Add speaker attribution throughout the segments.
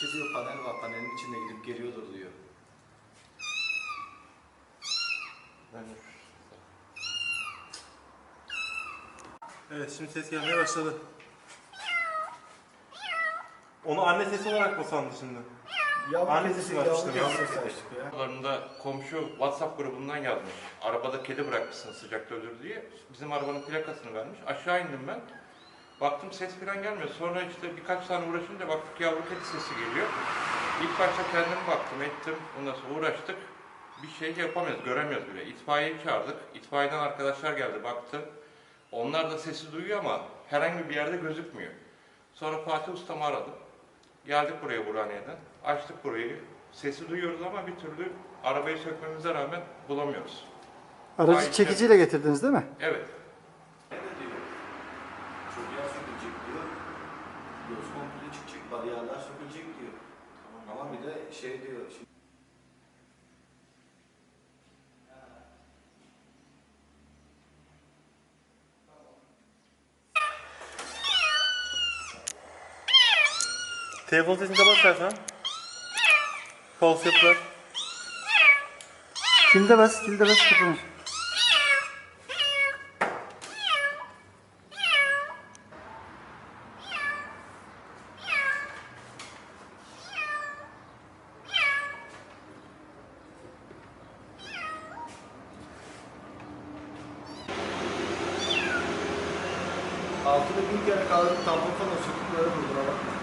Speaker 1: İşte diyor panel var, panelin içinde gidip geliyordur diyor.
Speaker 2: Evet, şimdi ses gelmeye başladı. Onu anne sesi olarak mı sandı şimdi? Anne sesi var işte.
Speaker 3: Aralarında komşu WhatsApp grubundan yazmış. Arabada kedi bırakmışsın sıcakta ölür diye. Bizim arabanın plakasını vermiş. Aşağı indim ben. Baktım ses falan gelmiyor. Sonra işte birkaç tane uğraşınca baktık yavru kedi sesi geliyor. İlk başta kendim baktım ettim. Ondan sonra uğraştık. Bir şey yapamıyoruz, göremiyoruz bile. İtfaiyeyi çağırdık. İtfaiyeden arkadaşlar geldi, baktı. Onlar da sesi duyuyor ama herhangi bir yerde gözükmüyor. Sonra Fatih Ustam'ı aradım. Geldik buraya Burhaniye'den. Açtık burayı. Sesi duyuyoruz ama bir türlü arabayı sökmemize rağmen bulamıyoruz.
Speaker 4: Aracı çekiciyle getirdiniz değil mi?
Speaker 3: Evet.
Speaker 1: Ne de diyor? Çocuğa sökülecek diyor. Göz komple çıkacak, bariyerler sökülecek diyor. Ama bir de şey diyor.
Speaker 2: Telefon sesini kapat istersen. False yapılar.
Speaker 4: Kilde bas, kilde bas. Kapanır.
Speaker 1: Altını bin kere kaldırıp tampon falan söküp böyle vurduna bakma.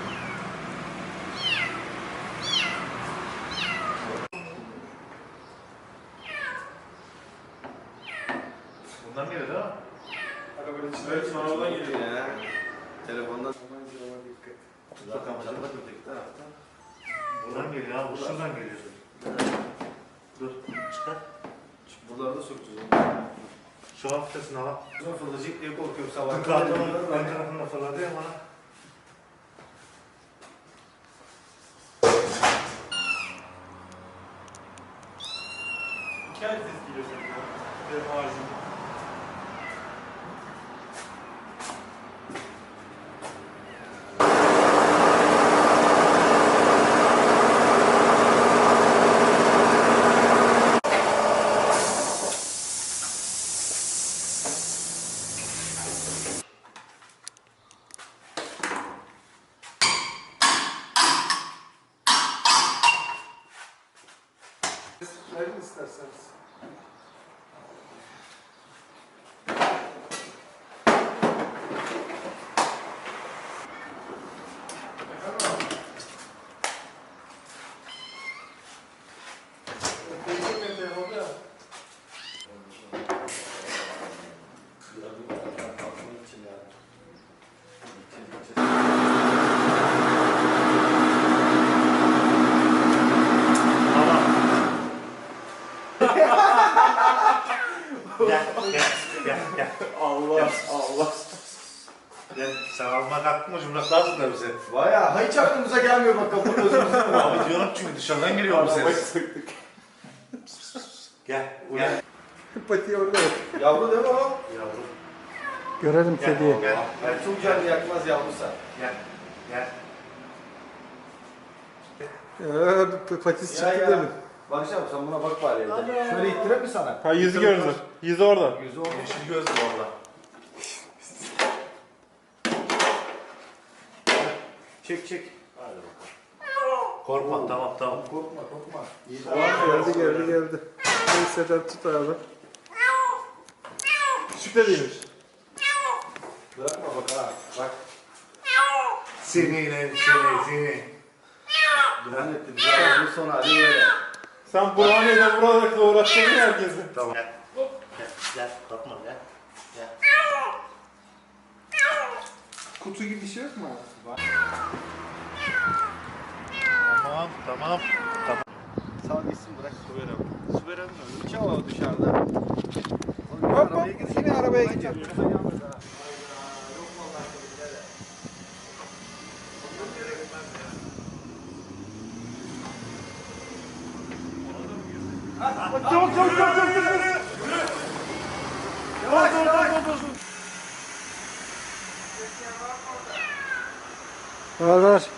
Speaker 2: Bundan geliyor değil mi?
Speaker 1: Evet, sonradan geliyor ya. Telefondan. Zaten camda öteki tarafta.
Speaker 2: Buradan geliyor abi, şuradan geliyor. Dur, çıkar.
Speaker 1: Buraları da sökeceğiz.
Speaker 2: Şu hafiftesine bak.
Speaker 1: Sonra fırlayacak diye korkuyorum sabah.
Speaker 2: Kartonun ön tarafında fırladı ya bana. İki ay ses geliyor senin ya. Telefon haricinde.
Speaker 1: Verin isterseniz.
Speaker 2: Gel.
Speaker 1: Allah.
Speaker 2: Gel, sen almak hakkın mı cumhuriyet da bize?
Speaker 1: Vaya hiç aklımıza gelmiyor bak kapının özümüzü.
Speaker 2: Abi diyorum çünkü dışarıdan geliyor bu ses. Gel.
Speaker 4: Pati orada yok.
Speaker 1: Yavru değil mi o?
Speaker 2: Yavrum.
Speaker 4: Görelim kediyi.
Speaker 2: Gel.
Speaker 1: Yani çok canlı yakmaz yavrusa.
Speaker 2: Gel.
Speaker 4: Patisi
Speaker 1: Ya
Speaker 4: çıktı
Speaker 1: ya.
Speaker 4: değil mi?
Speaker 1: Barış abi sen buna bak bari evde. Şöyle ittireyim mi sana?
Speaker 4: Ha yüzü gördü. Yüzü orada.
Speaker 1: Yüzü olmuş.
Speaker 2: Yeşil gözlü valla.
Speaker 1: Çek.
Speaker 2: Hadi bakalım. Korkma, tamam.
Speaker 1: Korkma. İyi
Speaker 4: Geldi. Neyse tut abi.
Speaker 2: Küçük de değilmiş.
Speaker 1: Bırakma bak ha. Bak.
Speaker 2: Seni.
Speaker 1: Duman etti. Bize ağzını sonra hadi böyle.
Speaker 4: Sen Burhaniye'den buralara uğraştırdın herkesi.
Speaker 2: Tamam. Gel. Korkma gel.
Speaker 4: Kutu gibi bir şey yok mu?
Speaker 2: Tamam.
Speaker 1: Sağ gitsin bırak. Süper abi mi? Hiç hava dışarıda. Hop. Yine arabaya gidiyor.
Speaker 4: Var.